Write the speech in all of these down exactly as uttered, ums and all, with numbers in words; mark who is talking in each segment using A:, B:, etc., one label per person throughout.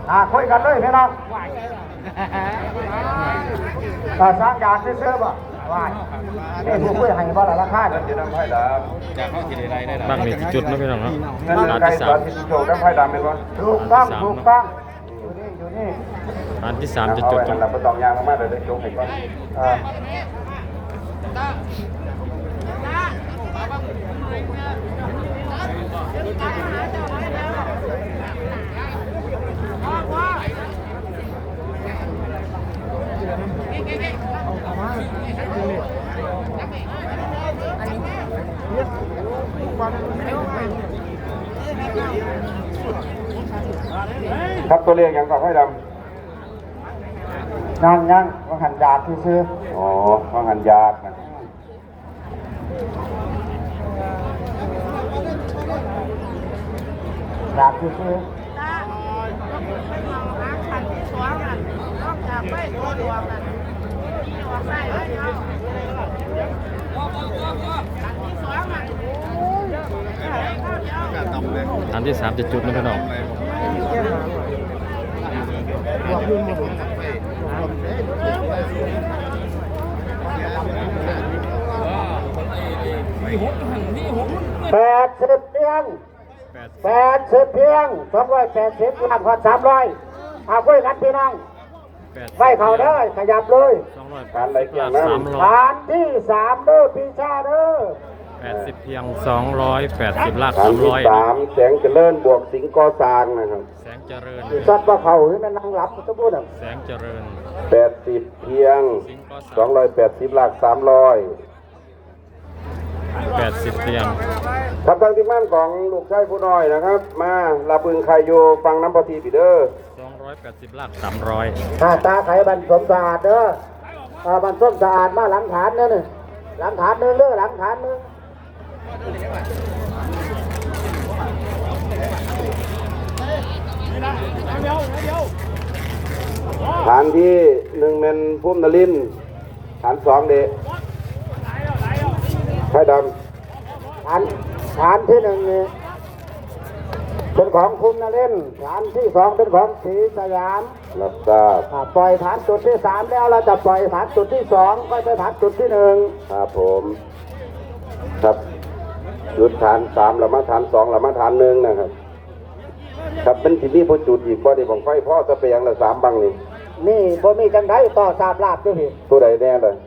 A: อ่าคุยกันเลยพี่น้องอ่าสร้างยาซื้อๆบ่ว่านี่ผู้คุยให้บ่ละราคาจะนำไผ่ดำจะเข้าที่ใดได้ล่ะ
B: บางนี่จุดนะพี่น้องเนาะ
A: เงิน
B: ร้าน
A: ไก่
B: ที่
A: ส
B: สา
A: อ
B: ม
A: นที่โจนำไผ่ดำเป็นบ่ถูกต้องถูกต้องอยู่นี่อยู่นี่
B: ร้านที่สามจะจุดตรง
A: เราไปตองยางมากเลยได้โจกให้ก่อนอ่าครับตัวเลขยังก่อนให้ดำยังยังว่าหันยาที่ซื้ออ๋อว่าหันยานะยาที่ซื้อ
B: ร้านที่สามจะจุดนะพี่น้อง
A: แปดสิบเพียงแปดสิบเพียงสองร้อยแปดสิบล้านพอสามร้อยเอาคุยกันพี่น้องไฟเข่าได้ขยับเลยการไหลเกี่ยงนะฐานที่สามเด้อพี่ชาเด้อ
B: แปดสิบเพียงสองร้อยแปดสิบลาก
A: ฐา
B: สาน ม
A: ที่
B: ร้อย
A: สามแสงเจริญบวกสิงห์ก่อสร้างนะครับ
B: แสงเจริญ
A: ซัดว่าเขาให้มันนั่งรับจะพูดอ่ะ
B: แสงเจริญ
A: แปดสิบเพียงสองร้อยแปดสิบลากสามร้อย
B: แปดสิบเพียง
A: ครับทางที่มั่นของลูกชายผู้น้อยนะครับมาลาบึงไคโยฟังน้ำพอทีปีเดอร์
B: สองร้อยแปดสิบลากสามร้อย
A: ตาไข่บันสมสะอาดเด้อบันสมสะอาดมาหลังฐานเนี่ยนี่หลังฐานนึงเด้อหลังฐานนึงฐานที่หนึ่งเป็นพุ่มนลินฐานสองเดชไข่ดำฐานฐานที่หนึ่งนี่เป็นของพุ่มนลินฐานที่สองเป็นของศรีสยามรับทราบปล่อยฐานจุดที่สามแล้วเราจะปล่อยฐานจุดที่สองก็ไปฐานจุดที่หนึ่งครับผมครับจุดฐานสามแล้วมาฐานสองแล้วมาฐานหนึ่งนะครับครับเป็นที่นี่พอจุดอีกพอดีของไฟพ่อจะไปยังละสามบังนี่นี่พอมีจังไดต่อสามลาบด้วยพี่ผู้ใดแน่เลย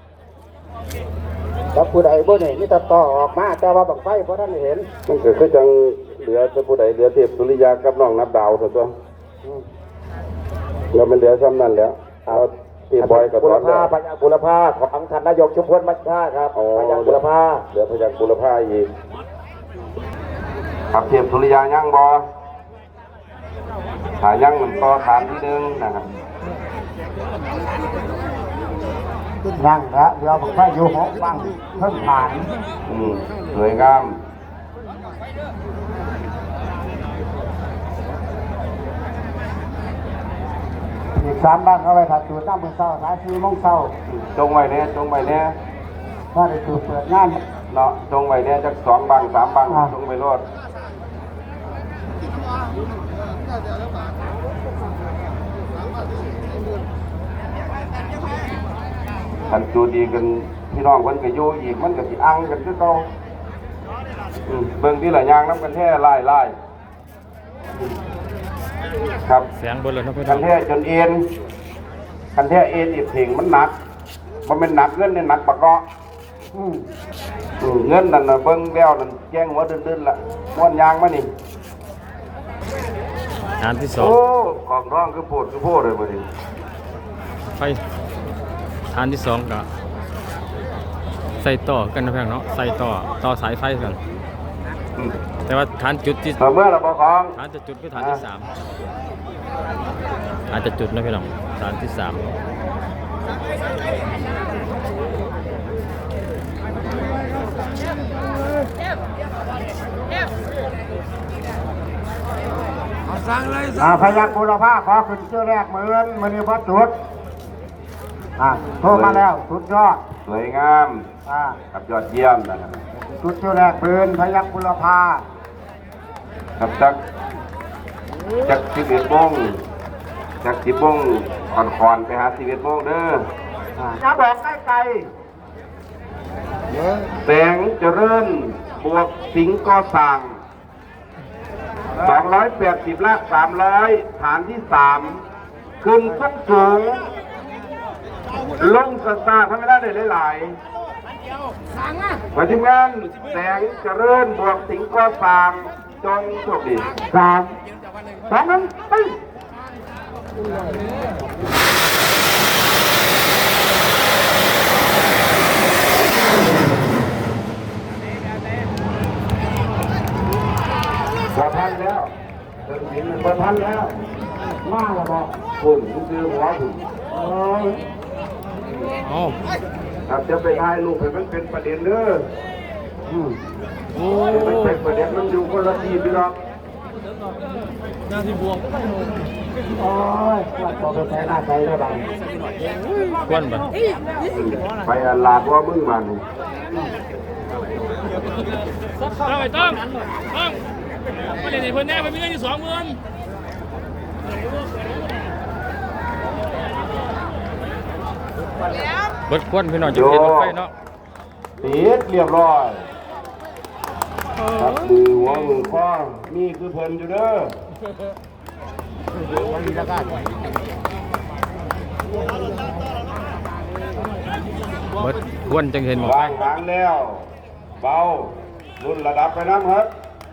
A: แล้วผู้ใดบ่เนี่ยนี่จะต่อออกมาแต่ว่าบังไฟเพราะท่านเห็นมันคือคือจังเหลือจะผู้ใดเหลือเทพสุริยากับน้องนับดาวเถอะตัวเราเป็นเหลือซ้ำนั่นแล้วเอาที่บอยกับบุรพาพญาบุรพาของท่านนายกชุมพลมัชชาครับพญาบุรพาเหลือพญาบุรพาอีกครับเทพสุริยายั่งบอหายั่งมันต่อฐานที่หนึ่งนะครับยั่งละเดี๋ยวผมไปอยู่หกบังเพิ่งผ่านอืมสวยงามอีกสามบ้านเข้าไปถัดจุดน้ำมือเศร้าสายสี่โมงเศร้าจงไว้เนี่ยจงไว้เนี่ยว่าได้จุดเปิดงานเนาะจงไว้เนี่ยจากสองบังสามบังจงไว้รอดขันจูดีกันพี่น้องคนก็อยู่อีกมันก็สิอังกันคือเก่าเบิ่งที่หลายอย่างน้ำกันแท้ไล่ไล่ครับ
B: แสงบนเลยนะพี่น้
A: คั
B: อง
A: นแท้จนเอ็นคันแท้เอ็นอีกถิงมันหนักมันเป็นหนักเงินเนี่ยหนักปะเกาะเงินนั่นน่ะเบิ่งแล้วนั่นแจ้งหัวดื้นๆละม้วนยางมานี่
B: ฐานที่สอง
A: โอ้ของร้องคือโพดคือโพดเลยมาดิ
B: ไฟฐานที่สองก็ใส่ต่อกันนะพี่น้องเนาะใส่ต่อต่อสายไฟกันแต่ว่าฐานจุดที่
A: เมื่อเราบอกของ
B: ฐานจะจุดคือฐานที่สามฐานจะจุดนะพี่น้องฐานที่สาม
A: อ่าพยักบุรพาขอขึ้นชื่อแรกเหมือนมือนี้พอจุดอ่าโทรมาแล้วสุดยอดสวยงามอ่ากับยอดเยี่ยมนะครับจุดชื่อแรกปืนพยักบุรพาครับจักจักสิบเอ็ดโมง
C: จากสิบโมงคอนๆไปหาสิบเอ็ดโมงเด้อ
A: จะบอกใกล้ไกล
C: แสงเจริญบวกสิงห์ก่อสร้างสองร้อยแปดสิบละสามร้อยฐานที่สามขึ้นสูงสูงลงสตาร์ทำไม่ได้เลยหลายๆมาทีมงานแสงเจริญบวกสิงห์ก่อสร้างจงโชคดี
A: สามสองหนึ่งไป
C: พอทันแล้วเดินหินมันพอทันแล้ว
A: มาแล้วบอก
C: คุณคุณคือหัวคุณ
A: เอ้ย
B: เอา
C: ครับจะไปถ่ายรูปให้มันเป็นประเด็นเด้อ
A: อืม
B: โอ้
C: ให้มันเป็นประเด็นมันอยู่คนละทีพี่น้อง
A: โอ้ยว่าตัวไปใช้หน้าใจได้บ้าง
B: ควนไป
C: ไปอันลาดว่ามึงมัน
D: เอาไปต้องต้องไม่ได้ในเพื่อนแน่ไปมีเงินอยู่สองหมื่น
B: เบิดควนพี่น้องจะเห็นรถไฟเนาะ
C: ติดเรียบร้อยครับมือหัวมือข้อนี่คือเพิ่นอยู่เด้อ
B: เบิดควนจังเห็นหมด
C: วางหางแล้ว เบารุ่นระดับไปน้ำครับ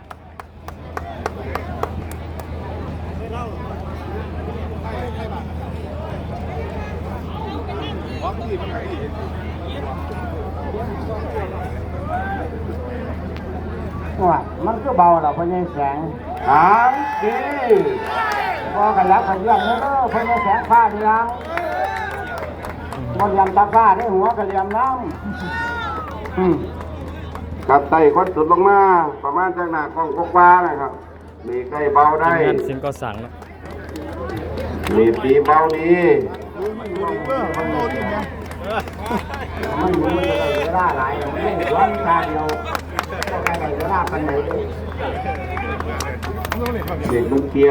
A: ว่ามันก็เบาเราพญายแสง
C: หางดี
A: พอกันยักขยันเนอะพญายแสงผ้าเรียงมันยำตาผ้าได้หัวกระเลียมน้ำอืม
C: กับไต่คนสุดลงมา ประมาณจากหน้ากล้องกว้าๆนะครับมีใกล้เบาได้
B: ทีมงานเสียงก็สั่งเนาะ
C: มีปีเบาดี
A: มันอยู่มันเลยเวลาหลายมันไม่ร้อนตาเดียวก็แค่ไหนเวลาปันไหน
C: เด็กมันเกี้ย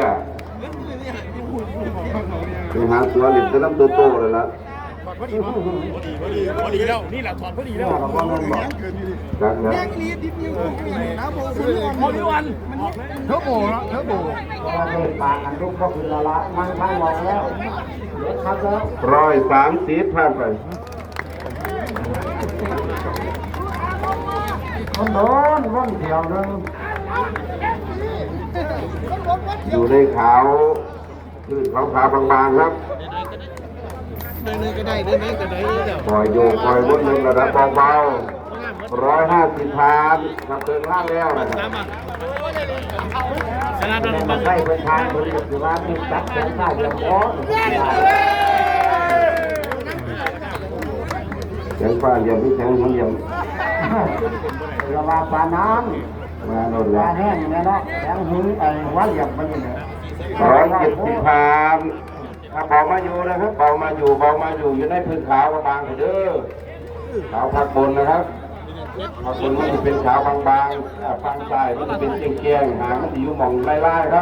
C: ไปหาตัวเด็กจะรับตัวโตเลยละ
D: พอดีแล้วนี่แหละถอดพอดีแล้ว
A: เราก็ไม่บอก
C: จักนะ
D: พอดีวัน
A: เทอร์โบแล้วเทอร์โบเราเดินปากกันทุกก็คือละละมันทางมองแล้วเดี๋ยวครับแล้ว
C: ร้อยสามสิบผ่านไป
A: มันโดนร่นเดียวนึง
C: อยู่ในขาวพื้นขาวขาวๆบางๆครับปล่อยโยกปล่อยวนหนึ่งระดับเบาๆร้อยห้าสิบพันครับเดินล่างแล้วนะครับ
D: ชนะ
A: แต่มันได้เป็นทางคนอยู่ว่ามีจัดแสงได้ยังพอ
C: แสงฟ้าเหลี่ยมที่แสงมันเหลี่ยม
A: เราว่าปลาน้
C: มาโดน
A: ำป
C: แล้
A: ลาว แห้งเนี่ยเนาะแสงหินไอ้หัวเหลี่ยมมันอยู่เนี่ย
C: ร้อยเจ็ดสิบพันถ้าเบามาอยู่นะครับเบามาอยู่เบามาอยู่อยู่ในพื้นขาวบางๆเด้อขาวพักบนนะครับพักบนมันจะเป็นขาวบางๆอ่าฝั่งซ้ายมันจะเป็นเกียงๆหางมันจะอยู่หม่องไล่ๆครับ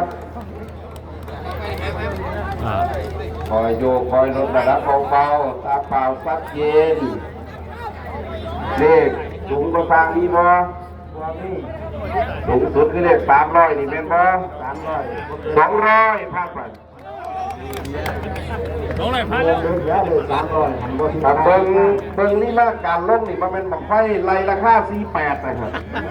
B: อ่า
C: คอยโยกคอยลดระดับเบาๆตาเปล่าซับเย็นเลขสูงกว่าฟางมีบ่
A: ตัวนี้
C: สูงสุดคือเลขสามร้อยนี่เป็นบ่
A: สามร้อย
C: สองร้อยภาคไป
D: น้องไหนพลาด
A: เดื
D: แล้
A: อ
D: วน
A: เดือนเลยสามร้อยหันบน
C: ครับเบิ้งเบิ้งนี่มาการลงนี่มันเป็นบังไฟไล่ราคาสี่แปดนะครับ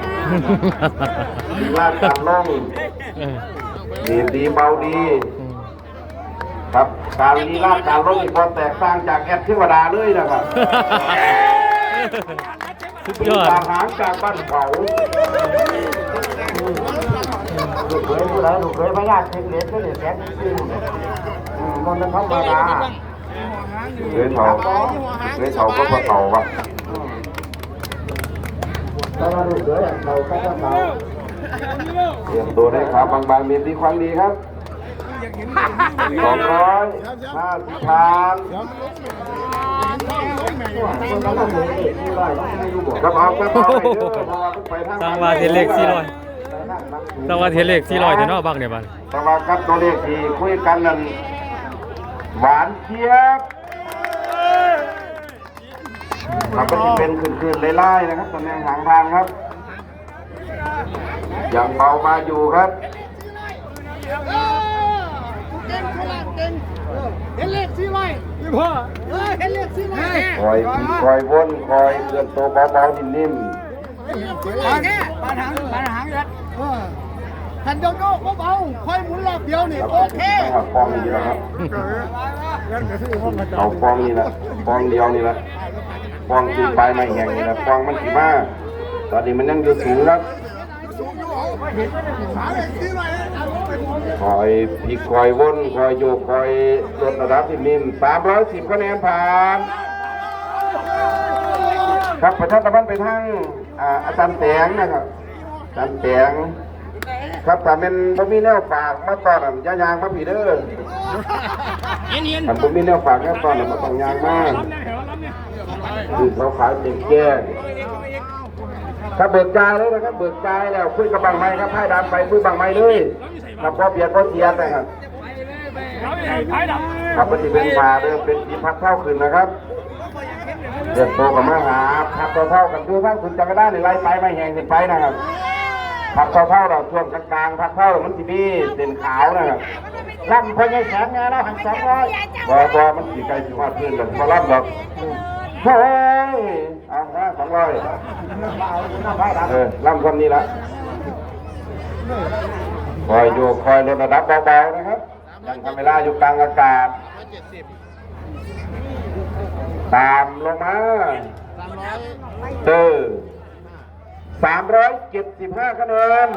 C: ลาดการลง
B: เออ
C: ดีดีเบาดี ครับการลีลาดการลงนี่พอแตกต่างจากแอดเทวดาเลยนะครับ
B: สุด
C: เป็น
B: ยอด
C: ทหารจากบ้านเขา
A: ลูกเคยผู้ใดลูกเคยพญาติเหล็กก็เหล็กแสงจริงมันเป็นธรรมดา
C: เคยเขาเคยเขาก็พอเขาวะ
A: แต่ว่าลูกเคยเราก็ต้องเรา
C: เตรียมตัวได้ครับบางๆมีดีความดีครับสองร้อยห้าสิบพัน
A: คนเราต้องเหล็กที่ไรไม่รู้บอก
C: ครับเอาครับเอาไปเด้อเพราะว่าเพิ่งไปทาง
B: สร้างว่าเทเลขสี่ร้อยสร้างว่าเทเลขสี่ร้อยเดี๋ยวเนาะบักเนี่ยบัด
C: แต่ว่าครับตัวเลขที่คุยกันนั้นหวานเจี๊ยบครับก็จะเป็นคืนๆไล่ๆนะครับตำแหน่งหางทางครับยังเบามาอยู่ครับ
E: เก่งโคราชเก่งเห็นเลขสี่ไว้พี่พ่อเออเห็นเลขสี่ไว้
C: คอยคอยวนคอยเกินตัวเบาๆนิ่ม
E: ปานนี้ปานหางปานหางเลยเออทันโยโย่เบาๆค่อยหมุนรอบเดียวนี่
C: ๆครับ
E: โอเค
C: ต้องเอาฟองนี้แหละครับเอาฟองนี้แหละฟองเดียวนี่แหละฟองคือปลายไม้แห้งนี่แหละฟองมันสีมาตอนนี้มันยังอยู่สูงครับคอยพลิกคอยวนคอยโยกคอยลดระดับที่นิ่มสามร้อยสิบคะแนนผ่านครับประชาสัมพันธ์ไปทางอ่าอาจารย์แตงนะครับอาจารย์แตงครับถ้าเป็นบ่มีแนวฝากมาตอนนั้นอยายางมาผีเด้อ
D: เย็นเย็น
C: ถ้าบ่มีแนวฝากแนวตอนนั้นมาต้องยางมา
D: ล้ำเนี่ยเหรอล้ำเนี่ย
C: คือเขาขายเต็มแก้งถ้าเบิกจ่ายเลยนะครับเบิกจ่ายแล้วคุยกับบางไม้ครับให้ดำไปคุยบางไม้เลยครับพอเบียดพอเสียแต่ครับ
D: ล้ำเนี่ยท้ายดำ
C: ครับปฏิเป็นมาเริ่มเป็นสีพักเท่าขึ้นนะครับเดือดโตกับมาหาพักเท่าๆกันดูท่านคุณจะไม่ได้ในไล่ไปไม่แหงขึ้นไปนะครับพักเท่าๆเราช่วงกลางๆพักเท่ามันสีมีเด่นขาวนะครับ
A: ล่ำพอยังแสนไงเราหันสองร้อย
C: บอบอมันสีไกลสีว่าพื้นแบบพอรับดอกเฮ้ยเอาห้าสองร้อยเออล่ำคนนี้ละคอยอยู่คอยลดระดับเบาๆนะครับยังทำเวลาอยู่กลางอากาศตามลงมาเออสามร้อยเจ็ดสิบห้าคะแนน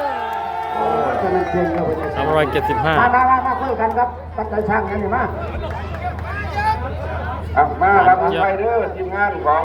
B: สามร้อยเจ็ดสิบห้า
A: มามามามาคุยกันครับตั้งใจช่างกันอยู่มา
C: อ่ะมารับไปเด้อทีมงานของ